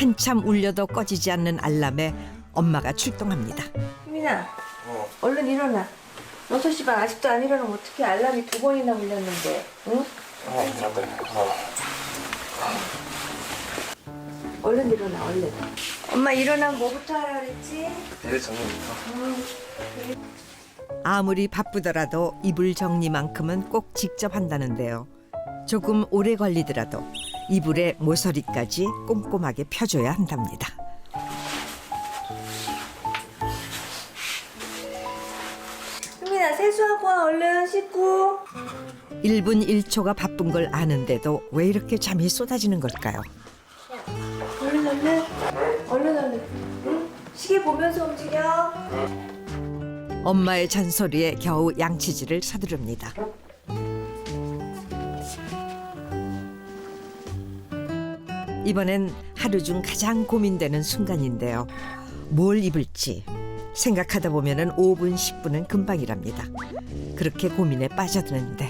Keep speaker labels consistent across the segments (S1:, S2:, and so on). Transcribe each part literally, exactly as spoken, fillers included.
S1: 한참 울려도 꺼지지 않는 알람에 엄마가 출동합니다.
S2: 수민아,
S3: 어.
S2: 얼른 일어나. 여섯 시 반 아직도 안 일어나면 어떻게 알람이 두 번이나 울렸는데, 응?
S3: 어, 맞다. 어.
S2: 얼른 일어나, 얼른. 엄마 일어나면 뭐부터 하라 그랬지?
S3: 내 정리부터.
S2: 응.
S1: 아무리 바쁘더라도 이불 정리만큼은 꼭 직접 한다는데요. 조금 오래 걸리더라도 이불에 모서리까지 꼼꼼하게 펴줘야 한답니다.
S2: 수민아, 세수하고 와, 얼른 씻고.
S1: 일 분 일 초가 바쁜 걸 아는데도 왜 이렇게 잠이 쏟아지는 걸까요?
S2: 얼른, 얼른. 얼른, 얼른. 응? 시계 보면서 움직여.
S1: 엄마의 잔소리에 겨우 양치질을 서두릅니다. 이번엔 하루 중 가장 고민되는 순간인데요. 뭘 입을지 생각하다 보면은 오 분, 십 분은 금방이랍니다. 그렇게 고민에 빠져드는데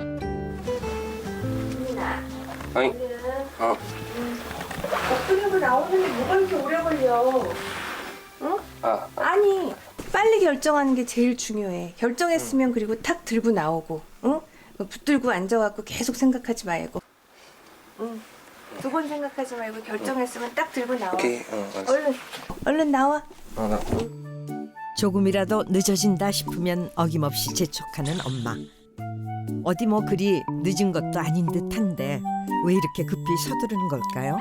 S2: 수민아,
S3: 아니,
S2: 얼른.
S3: 어.
S2: 옷 들고 나오는데 뭐가 이렇게 오래 걸려? 응?
S3: 아,
S2: 아니, 빨리 결정하는 게 제일 중요해. 결정했으면 그리고 탁 들고 나오고, 응? 뭐 붙들고 앉아갖고 계속 생각하지 말고, 응. 두 번 생각하지 말고 결정했으면 딱 들고 나와.
S3: 오케이. 어, 알았어.
S2: 얼른, 얼른 나와.
S3: 어, 나.
S1: 조금이라도 늦어진다 싶으면 어김없이 재촉하는 엄마. 어디 뭐 그리 늦은 것도 아닌 듯한데 왜 이렇게 급히 서두르는 걸까요?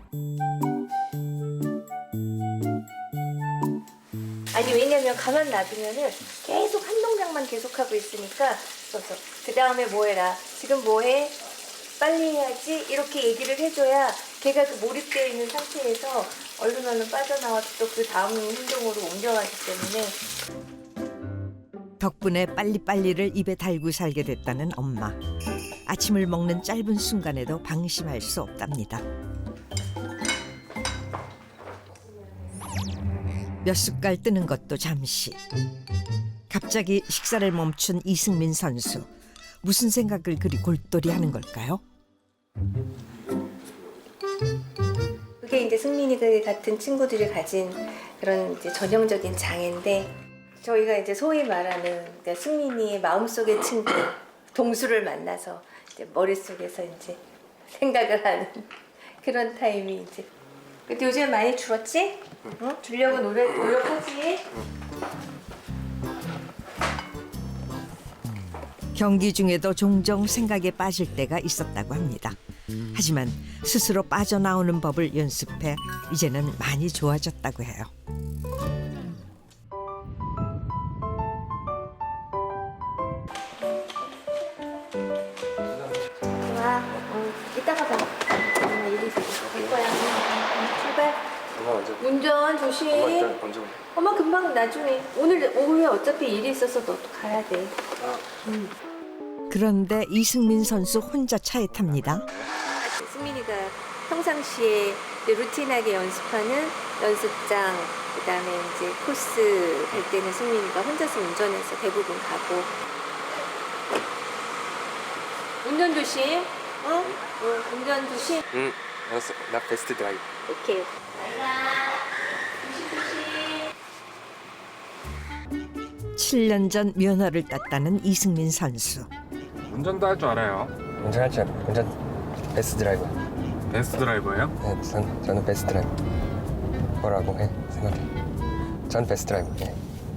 S2: 아니, 왜냐면 가만 놔두면은 계속 한 동작만 계속하고 있으니까, 그래서 그 다음에 뭐 해라, 지금 뭐 해? 빨리 해야지, 이렇게 얘기를 해줘야 걔가 그 몰입되어 있는 상태에서 얼른 얼른 빠져나와서 또 그 다음 행동으로 옮겨가기 때문에.
S1: 덕분에 빨리빨리를 입에 달고 살게 됐다는 엄마. 아침을 먹는 짧은 순간에도 방심할 수 없답니다. 몇 숟갈 뜨는 것도 잠시. 갑자기 식사를 멈춘 이승민 선수. 무슨 생각을 그리 골똘히 하는 걸까요?
S2: 그게 이제 승민이들 같은 친구들이 가진 그런 이제 전형적인 장애인데, 저희가 이제 소위 말하는 그러니까 승민이의 마음속의 친구 동수를 만나서 이제 머릿속에서 이제 생각을 하는 그런 타임이 이제. 근데 요즘 많이 줄었지? 응? 주려고 노력, 노력하지?
S1: 경기 중에도 종종 생각에 빠질 때가 있었다고 합니다. 하지만 스스로 빠져나오는 법을 연습해 이제는 많이 좋아졌다고 해요.
S2: 좋아. 응. 이따가 봐. 엄마 일이 있어. 갈 거야. 응, 출발.
S3: 엄마 먼저.
S2: 운전 조심.
S3: 엄마 일단 먼저.
S2: 엄마 금방 나중에. 오늘 오후에 어차피 일이 있어서 너 또 가야 돼.
S3: 아,
S1: 그런데 이승민 선수 혼자 차에 탑니다.
S2: 승민이가 평상시에 이제 루틴하게 연습하는 연습장, 그다음에 이제 코스 갈 때는 승민이가 혼자서 운전해서 대부분 가고. 운전 조심. 어? 어, 운전 조심.
S3: 응, 알았어. 나 베스트 드라이브.
S2: 오케이. 가. 조심 조심.
S1: 칠 년 전 면허를 땄다는 이승민 선수.
S4: 운전도 할 줄 알아요.
S3: 운전할 줄 알아. 운전 베스트 드라이버.
S4: 베스트 드라이버예요?
S3: 네, 전, 저는 베스트 드라이버. 뭐라고 해? 생각해. 전 베스트 드라이버. 네.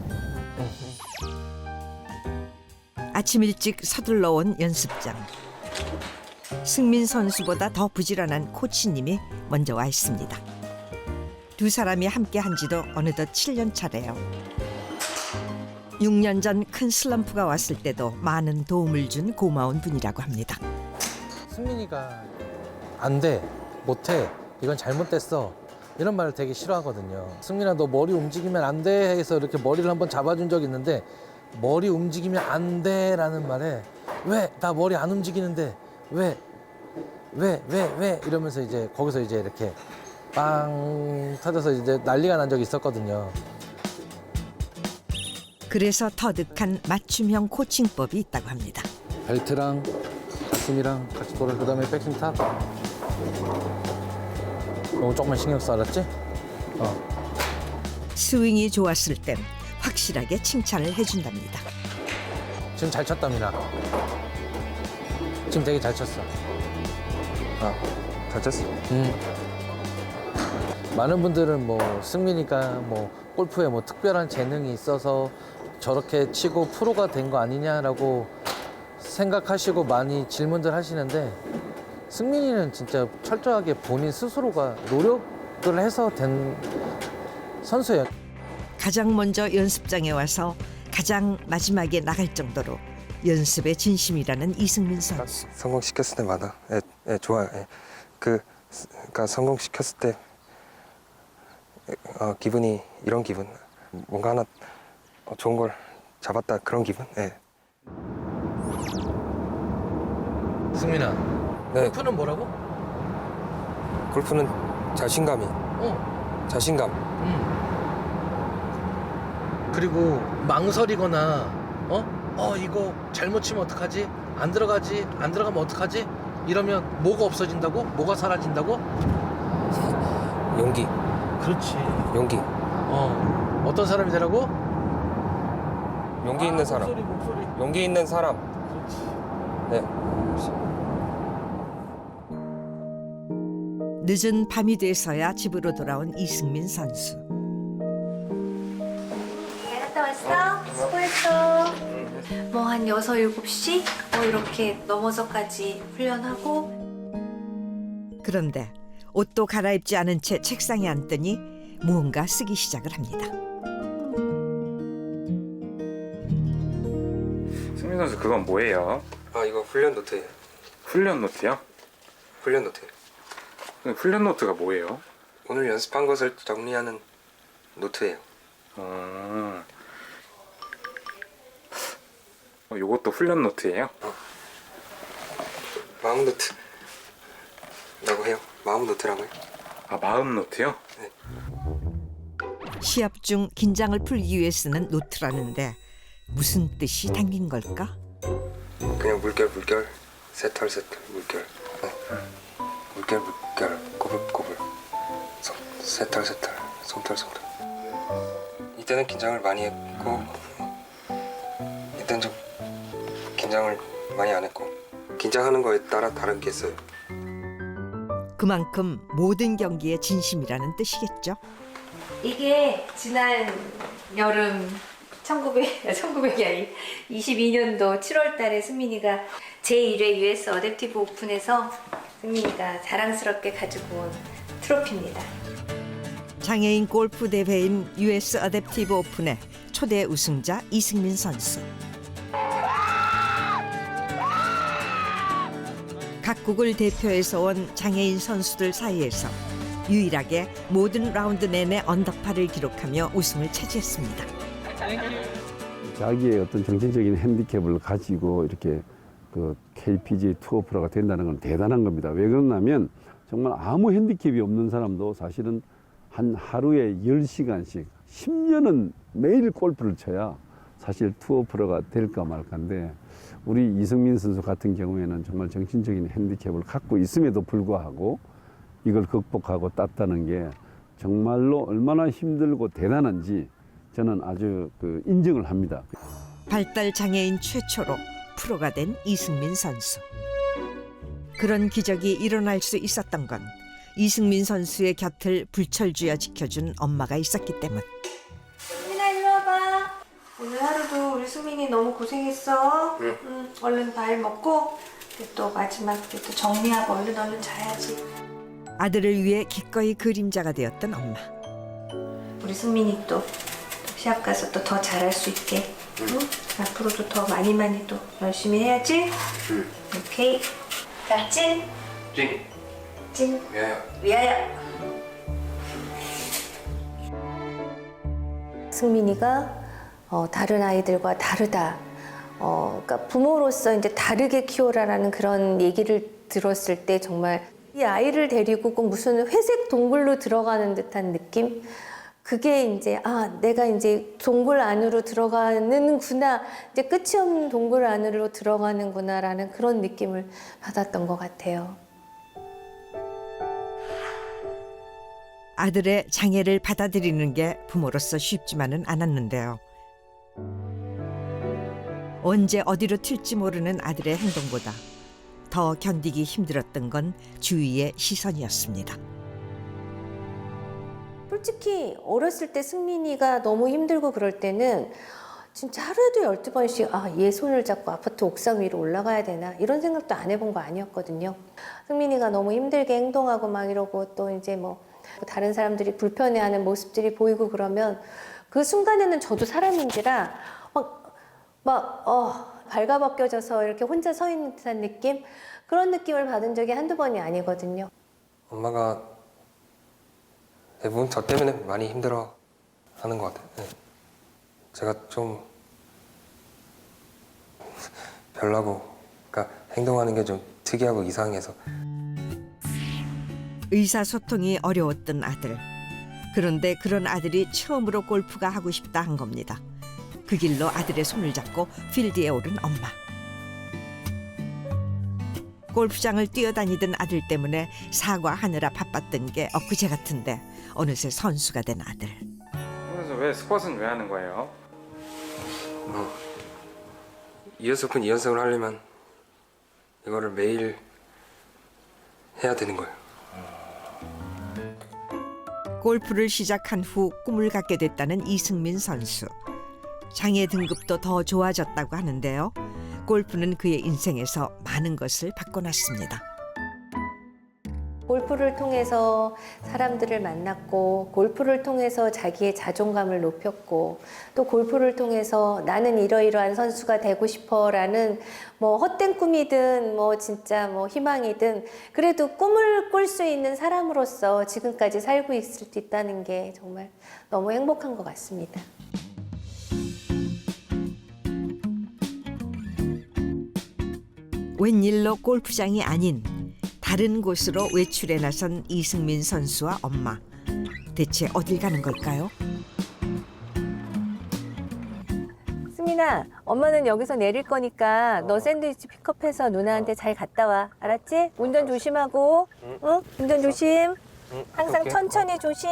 S1: 아침 일찍 서둘러 온 연습장. 승민 선수보다 더 부지런한 코치님이 먼저 와 있습니다. 두 사람이 함께 한 지도 어느덧 칠 년 차래요. 육 년 전 큰 슬럼프가 왔을 때도 많은 도움을 준 고마운 분이라고 합니다.
S5: 승민이가 안 돼, 못해, 이건 잘못됐어 이런 말을 되게 싫어하거든요. 승민아 너 머리 움직이면 안 돼 해서 이렇게 머리를 한번 잡아준 적이 있는데, 머리 움직이면 안 돼라는 말에 왜 나 머리 안 움직이는데 왜 왜 왜 왜 이러면서 이제 거기서 이제 이렇게 빵 터져서 이제 난리가 난 적이 있었거든요.
S1: 그래서 터득한 맞춤형 코칭법이 있다고 합니다.
S5: 벨트랑 가슴이랑 같이 돌아, 그 다음에 백스윙 탑. 너무 조금만 신경 써, 알았지? 어.
S1: 스윙이 좋았을 땐 확실하게 칭찬을 해준답니다.
S5: 지금 잘 쳤다, 미나. 지금 되게 잘 쳤어.
S3: 아, 잘 쳤어.
S5: 음. 많은 분들은 뭐 승민이가 뭐 골프에 뭐 특별한 재능이 있어서 저렇게 치고 프로가 된 거 아니냐라고 생각하시고 많이 질문들 하시는데 승민이는 진짜 철저하게 본인 스스로가 노력을 해서 된 선수예요.
S1: 가장 먼저 연습장에 와서 가장 마지막에 나갈 정도로 연습에 진심이라는 이승민 선수.
S3: 성공시켰을 때마다 예, 예, 좋아요. 예. 그, 그러니까 성공시켰을 때 어, 기분이 이런 기분. 뭔가 하나 어, 좋은 걸 잡았다 그런 기분. 예.
S5: 승민아,
S3: 네,
S5: 골프는 뭐라고?
S3: 골프는 자신감이,
S5: 어.
S3: 자신감.
S5: 음. 그리고 망설이거나 어? 어 이거 잘못 치면 어떡하지? 안 들어가지? 안 들어가면 어떡하지? 이러면 뭐가 없어진다고? 뭐가 사라진다고?
S3: 용기,
S5: 그렇지.
S3: 용기.
S5: 어. 어떤 사람이 되라고?
S3: 용기 있는 사람.
S5: 목소리 목소리.
S3: 용기 있는 사람.
S5: 그렇지.
S3: 네.
S1: 늦은 밤이 돼서야 집으로 돌아온 이승민 선수.
S2: 잘 갔다 왔어? 수고했어. 뭐 한 여섯, 일곱 시? 뭐 이렇게 넘어서까지 훈련하고.
S1: 그런데 옷도 갈아입지 않은 채 책상에 앉더니 무언가 쓰기 시작을 합니다.
S4: 승민 선수 그건 뭐예요?
S3: 아, 이거 훈련 노트예요.
S4: 훈련 노트요?
S3: 훈련 노트.
S4: 근데 훈련 노트가 뭐예요?
S3: 오늘 연습한 것을 정리하는 노트예요.
S4: 어... 어, 요것도 훈련 노트예요?
S3: 마음 노트라고 해요. 마음 노트라고요.
S4: 아, 마음 노트요?
S1: 시합 중 긴장을 풀기 위해 쓰는 노트라는데 무슨 뜻이 담긴 걸까?
S3: 그냥 물결 물결 새털 새털 물결. 네. 물결 물결 꼬불꼬불 솜, 새털 새털 솜털 솜털. 이때는 긴장을 많이 했고 이때는 좀 긴장을 많이 안 했고 긴장하는 거에 따라 다른 게 있어요.
S1: 그만큼 모든 경기에 진심이라는 뜻이겠죠.
S2: 이게 지난 여름 천구백, 천구백이 아니 이십이 년도 칠월 달에 승민이가 제일 회 유에스 어댑티브 오픈에서 승민이가 자랑스럽게 가지고 온 트로피입니다.
S1: 장애인 골프 대회인 유에스 어댑티브 오픈의 초대 우승자 이승민 선수. 각국을 대표해서 온 장애인 선수들 사이에서 유일하게 모든 라운드 내내 언더파를 기록하며 우승을 차지했습니다.
S6: 자기의 어떤 정신적인 핸디캡을 가지고 이렇게 그 케이피지에이 투어 프로가 된다는 건 대단한 겁니다. 왜 그러냐면 정말 아무 핸디캡이 없는 사람도 사실은 한 하루에 열 시간씩 십 년은 매일 골프를 쳐야 사실 투어 프로가 될까 말까인데 우리 이승민 선수 같은 경우에는 정말 정신적인 핸디캡을 갖고 있음에도 불구하고 이걸 극복하고 땄다는 게 정말로 얼마나 힘들고 대단한지 저는 아주 그 인정을 합니다.
S1: 발달 장애인 최초로 프로가 된 이승민 선수. 그런 기적이 일어날 수 있었던 건 이승민 선수의 곁을 불철주야 지켜준 엄마가 있었기 때문.
S2: 승민아 일로 와봐. 오늘 하루도 우리 승민이 너무 고생했어.
S3: 응.
S2: 응, 얼른 밥 먹고 또 마지막 때 또 정리하고 얼른 얼른 자야지.
S1: 아들을 위해 기꺼이 그림자가 되었던 엄마.
S2: 우리 승민이 또 시합 가서 또 더 잘할 수 있게. 응? 앞으로도 더 많이 많이 또 열심히 해야지.
S3: 응.
S2: 오케이. 자, 찐.
S3: 찡.
S2: 찐.
S3: 미안해요.
S2: 위하여. 승민이가 어, 다른 아이들과 다르다. 어, 그러니까 부모로서 이제 다르게 키워라라는 그런 얘기를 들었을 때 정말 이 아이를 데리고 꼭 무슨 회색 동굴로 들어가는 듯한 느낌? 그게 이제 아 내가 이제 동굴 안으로 들어가는구나, 이제 끝이 없는 동굴 안으로 들어가는구나라는 그런 느낌을 받았던 것 같아요.
S1: 아들의 장애를 받아들이는 게 부모로서 쉽지만은 않았는데요. 언제 어디로 튈지 모르는 아들의 행동보다 더 견디기 힘들었던 건 주위의 시선이었습니다.
S2: 솔직히 어렸을 때 승민이가 너무 힘들고 그럴 때는 진짜 하루에도 열두 번씩 아, 얘 손을 잡고 아파트 옥상 위로 올라가야 되나 이런 생각도 안 해본 거 아니었거든요. 승민이가 너무 힘들게 행동하고 막 이러고 또 이제 뭐 다른 사람들이 불편해하는 모습들이 보이고 그러면 그 순간에는 저도 사람인지라 막, 막 어, 발가벗겨져서 이렇게 혼자 서 있는 듯한 느낌? 그런 느낌을 받은 적이 한두 번이 아니거든요.
S3: 엄마가 대부분 저 때문에 많이 힘들어 하는 것 같아요. 네. 제가 좀 별나고, 그러니까 행동하는 게 좀 특이하고 이상해서.
S1: 의사소통이 어려웠던 아들. 그런데 그런 아들이 처음으로 골프가 하고 싶다 한 겁니다. 그 길로 아들의 손을 잡고 필드에 오른 엄마. 골프장을 뛰어다니던 아들 때문에 사과하느라 바빴던 게 엊그제 같은데 어느새 선수가 된 아들.
S4: 그래서 왜 스쿼트는 왜 하는 거예요?
S3: 뭐 이연습은 이연습을 하려면 이거를 매일 해야 되는 거예요.
S1: 골프를 시작한 후 꿈을 갖게 됐다는 이승민 선수. 장애 등급도 더 좋아졌다고 하는데요. 골프는 그의 인생에서 많은 것을 바꿔놨습니다.
S2: 골프를 통해서 사람들을 만났고 골프를 통해서 자기의 자존감을 높였고 또 골프를 통해서 나는 이러이러한 선수가 되고 싶어라는 뭐 헛된 꿈이든 뭐 진짜 뭐 희망이든 그래도 꿈을 꿀 수 있는 사람으로서 지금까지 살고 있을 수 있다는 게 정말 너무 행복한 것 같습니다.
S1: 웬일로 골프장이 아닌 다른 곳으로 외출에 나선 이승민 선수와 엄마. 대체 어딜 가는 걸까요?
S2: 승민아, 엄마는 여기서 내릴 거니까 너 샌드위치 픽업해서 누나한테 잘 갔다 와. 알았지? 운전 조심하고. 응? 운전 조심. 항상
S3: 오케이.
S2: 천천히 조심.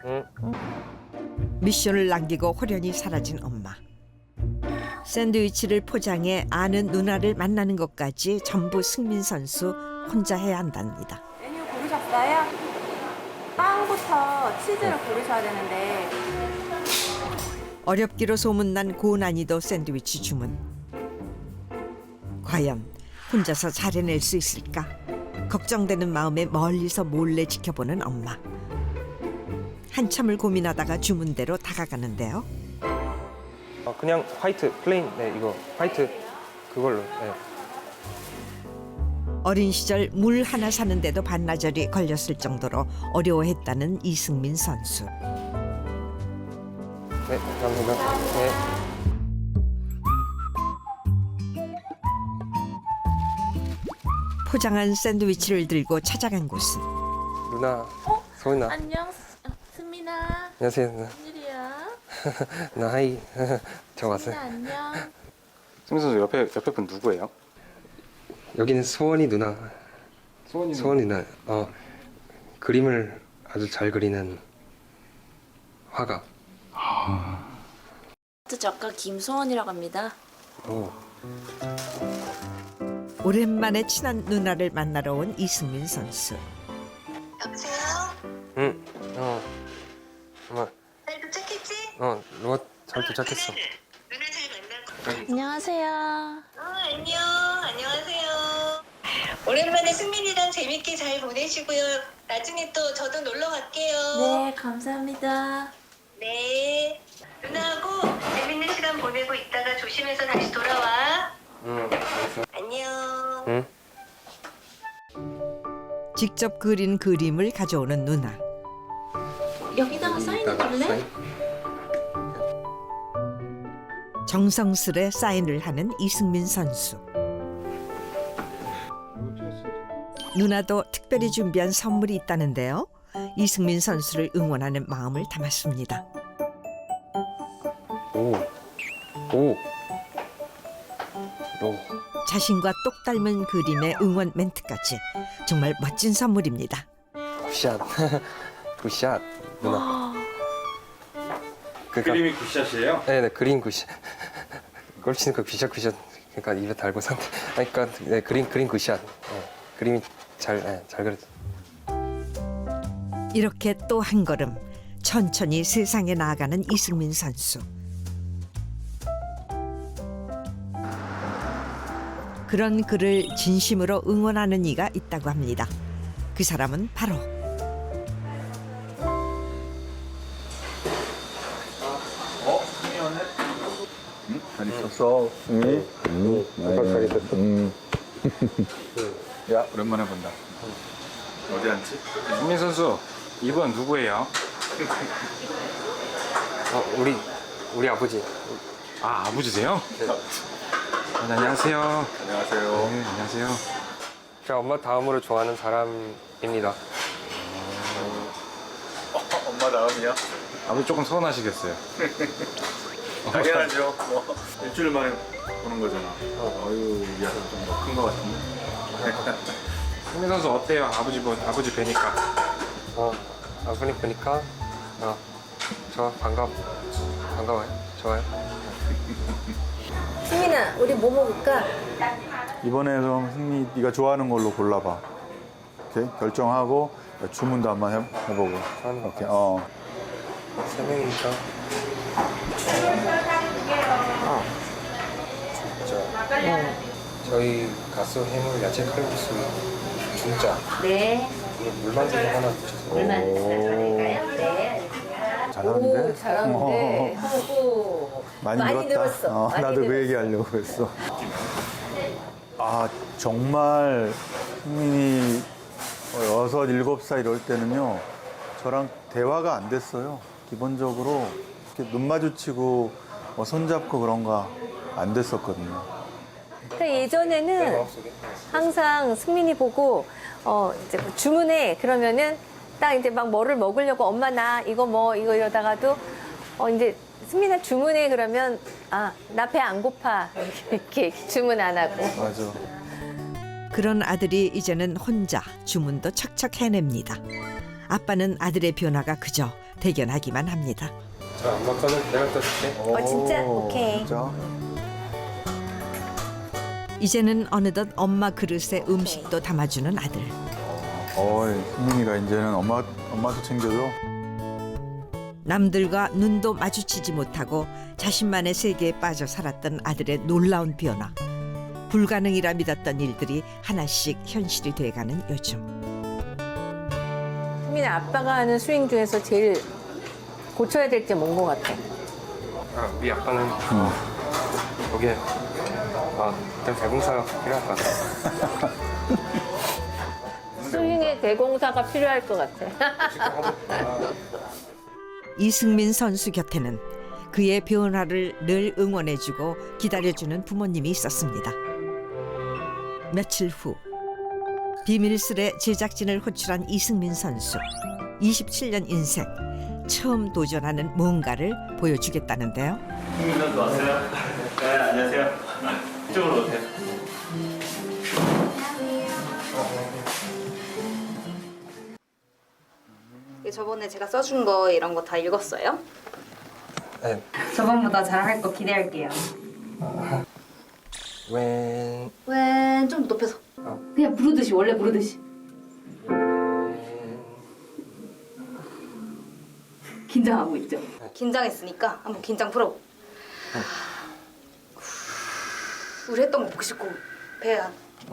S1: 미션을 남기고 호련히 사라진 엄마. 샌드위치를 포장해 아는 누나를 만나는 것까지 전부 승민 선수 혼자 해야 한답니다.
S2: 메뉴 고르셨어요? 빵부터 치즈를 고르셔야 되는데
S1: 어렵기로 소문난 고난이도 샌드위치 주문. 과연 혼자서 잘 해낼 수 있을까? 걱정되는 마음에 멀리서 몰래 지켜보는 엄마. 한참을 고민하다가 주문대로 다가가는데요.
S3: 어, 그냥 화이트 플레인, 네 이거 화이트 그걸로. 네.
S1: 어린 시절 물 하나 사는데도 반나절이 걸렸을 정도로 어려워했다는 이승민 선수.
S3: 네, 감사합니다. 네.
S1: 포장한 샌드위치를 들고 찾아간 곳은
S3: 누나, 소은아.
S7: 안녕, 스- 어, 승민아.
S3: 안녕하세요. 누나.
S7: 웬일이야?
S3: 누나 하이. 저 왔어요.
S7: 승민아, 안녕.
S4: 승민 선수 옆에 옆에 분 누구예요?
S3: 여기는 소원이 누나.
S4: 소원이
S3: 소원이 누나. 어, 그림을 아주 잘 그리는 화가.
S7: 아트 작가 김소원이라고 합니다.
S3: 오.
S1: 오랜만에 친한 누나를 만나러 온 이승민 선수.
S8: 여보세요?
S3: 응. 어. 엄마.
S8: 잘 도착했지?
S3: 어, 누가 잘 도착했어.
S8: 누나는 누나 잘 만나고.
S7: 안녕하세요.
S8: 어, 안녕. 안녕하세요. 오랜만에 승민이랑 재밌게 잘 보내시고요. 나중에 또 저도 놀러 갈게요.
S7: 네, 감사합니다.
S8: 네. 누나하고 재밌는 시간 보내고 있다가 조심해서 다시 돌아와.
S3: 응. 알겠어.
S8: 안녕.
S3: 응.
S1: 직접 그린 그림을 가져오는 누나.
S7: 여기다가 사인해 줄래?
S1: 정성스레 사인을 하는 이승민 선수. 누나도 특별히 준비한 선물이 있다는데요. 이승민 선수를 응원하는 마음을 담았습니다.
S3: 오. 오. 오.
S1: 자신과 똑 닮은 그림의 응원 멘트까지 정말 멋진 선물입니다.
S3: 샷. 굿샷 누나. 그러니까,
S4: 그림이 굿샷이에요?
S3: 네네 그린 굿샷. 골 치는 거 굿샷 굿샷. 그러니까 입에 달고 산. 그러니까 네, 그린 그린 굿샷. 네, 그림이 잘 네, 잘 그렸.
S1: 이렇게 또 한 걸음 천천히 세상에 나아가는 이승민 선수. 그런 그를 진심으로 응원하는 이가 있다고 합니다. 그 사람은 바로
S9: 잘 있었어, 승미? 응. 잘 있었어. 응. 야, 오랜만에 본다. 어디 앉지?
S4: 승민 선수 이번 누구예요?
S3: 어 우리 우리 아버지.
S4: 아 아버지세요? 네. 안녕하세요.
S9: 안녕하세요.
S4: 네, 안녕하세요.
S3: 제가 엄마 다음으로 좋아하는 사람입니다.
S9: 어, 엄마 다음이야?
S4: 아버지 조금 서운하시겠어요.
S9: 당연하죠. 뭐 일주일 만에 보는 거잖아. 어. 어유, 이 아들 좀큰거 같은데.
S4: 승민 선수 어때요? 아버지 보 아버지 뵈니까.
S3: 어 아버님 보니까 어저 반갑 반가워요. 좋아요.
S2: 승민아, 우리 뭐 먹을까?
S9: 이번에 그럼 승미 네가 좋아하는 걸로 골라봐. 오케이? 결정하고 주문도 한번 해, 해보고.
S3: 저는
S9: 오케이. 어.
S3: 세 명이니까. 아 진짜. 네. 저희 가스 해물 야채 칼국수 중짜.
S2: 네.
S3: 물만두 하나 주세요.
S2: 물만 드릴까요? 네.
S9: 잘하는데?
S2: 오, 잘하는데. 오,
S9: 많이,
S2: 많이
S9: 늘었다.
S2: 늘었어.
S9: 어,
S2: 많이
S9: 나도 그
S2: 늘었어.
S9: 얘기 하려고 했어. 아, 정말 승민이 여섯, 일곱 살 이럴 때는요, 저랑 대화가 안 됐어요. 기본적으로 이렇게 눈 마주치고 뭐 손잡고 그런 거 안 됐었거든요.
S2: 그러니까 예전에는 항상 승민이 보고 어 이제 뭐 주문해 그러면은 딱 이제 막 뭐를 먹으려고 엄마 나 이거 뭐 이거 이러다가도 어 이제 승민아 주문해 그러면 아 나 배 안 고파 이렇게, 이렇게 주문 안 하고.
S9: 맞아.
S1: 그런 아들이 이제는 혼자 주문도 척척 해냅니다. 아빠는 아들의 변화가 그저 대견하기만 합니다.
S3: 저 엄마 거는 내가 떠줄게.
S2: 어 진짜
S9: 오,
S2: 오케이.
S9: 진짜?
S1: 이제는 어느덧 엄마 그릇에 음식도 담아주는 아들.
S9: 어이, 승민이가 이제는 엄마, 엄마도 챙겨줘.
S1: 남들과 눈도 마주치지 못하고 자신만의 세계에 빠져 살았던 아들의 놀라운 변화. 불가능이라 믿었던 일들이 하나씩 현실이 돼가는 요즘.
S2: 승민아 아빠가 하는 스윙 중에서 제일 고쳐야 될 게 뭔 것 같아?
S3: 아, 우리 아빠는 어, 거기에 아, 좀 대공사가 필요할 것 같아.
S2: 스윙에 대공사가 필요할 것 같아.
S1: 이승민 선수 곁에는 그의 변화를 늘 응원해주고 기다려주는 부모님이 있었습니다. 며칠 후 비밀스레 제작진을 호출한 이승민 선수. 이십칠 년 인생 처음 도전하는 뭔가를 보여주겠다는데요.
S10: 승민 선수 왔어요? 네, 안녕하세요. 이쪽으로 오세요.
S11: 저번에 제가 써준 거 이런 거 다 읽었어요?
S3: 네.
S11: 저번보다 잘할 거 기대할게요.
S3: 웬
S11: 왜 좀 높여서
S3: 어.
S11: 그냥 부르듯이 원래 부르듯이 긴장하고 있죠? 긴장했으니까 한번 긴장 풀어. 우리 했던 거 보고 싶고 배야.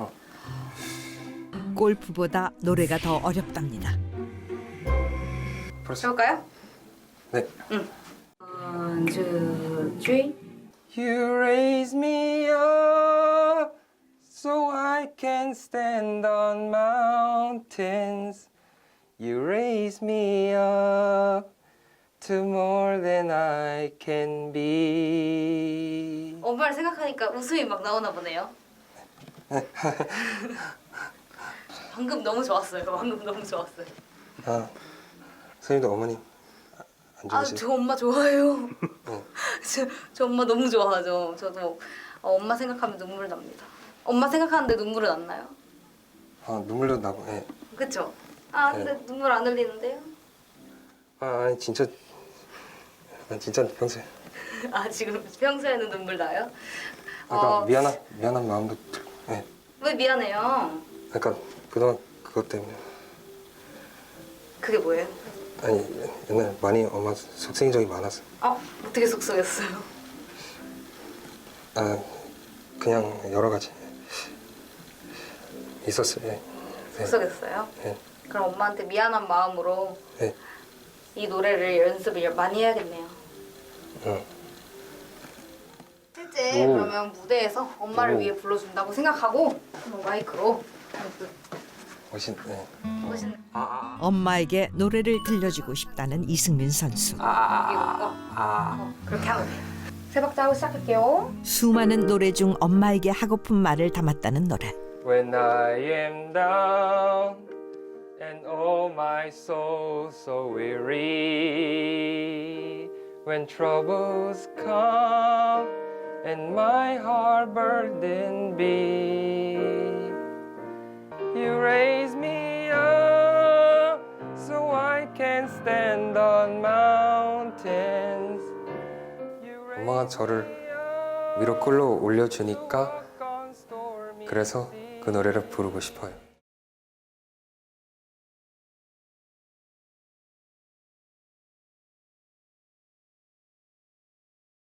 S1: 골프보다 노래가 더 어렵답니다.
S11: 해볼까요?
S3: 네.
S11: 응. One, two, three.
S3: You raise me up so I can stand on mountains. You raise me up to more than I can be.
S11: 엄마를 생각하니까 웃음이 막 나오나 보네요. 방금 너무 좋았어요. 방금 너무 좋았어요.
S3: 아, 선생님도 어머니 안
S11: 아,
S3: 좋으세요?
S11: 저 엄마 좋아해요.
S3: 네.
S11: 저, 저 엄마 너무 좋아하죠. 저도 어, 엄마 생각하면 눈물 납니다. 엄마 생각하는데 눈물은 안 나요?
S3: 아, 눈물도 나고, 예.
S11: 그쵸? 아, 근데
S3: 네.
S11: 눈물 안 흘리는데요?
S3: 아 아니 진짜 난 진짜 평소에
S11: 아 지금 평소에는 눈물 나요?
S3: 아까
S11: 어,
S3: 미안한 미안한 마음도 들. 네.
S11: 왜 미안해요?
S3: 약간 그동안 그것 때문에
S11: 그게 뭐예요?
S3: 아니 옛날 많이 엄마 속생인 적이 많았어.
S11: 어? 어떻게 속썩였어요?
S3: 아 그냥 여러 가지 있었어요. 네. 네.
S11: 속썩였어요?
S3: 네.
S11: 그럼 엄마한테 미안한 마음으로
S3: 네.
S11: 이 노래를 연습을 많이 해야겠네요.
S3: 응.
S11: 실제
S3: 오.
S11: 그러면 무대에서 엄마를
S3: 오.
S11: 위해 불러준다고 생각하고 마이크로
S3: 멋있. 네.
S11: 멋있는
S1: 엄마에게 노래를 들려주고 싶다는 이승민 선수.
S11: 이거 어, 그렇게 하면 돼요. 세 박자 하고 시작할게요.
S1: 수많은 노래 중 엄마에게 하고픈 말을 담았다는 노래.
S3: When I am down and all my soul so weary, when troubles come and my heart burdened be, you raise me up so I can stand on mountains. 엄마가 저를 위로 끌어올려 주니까 그래서 그 노래를 부르고 싶어요.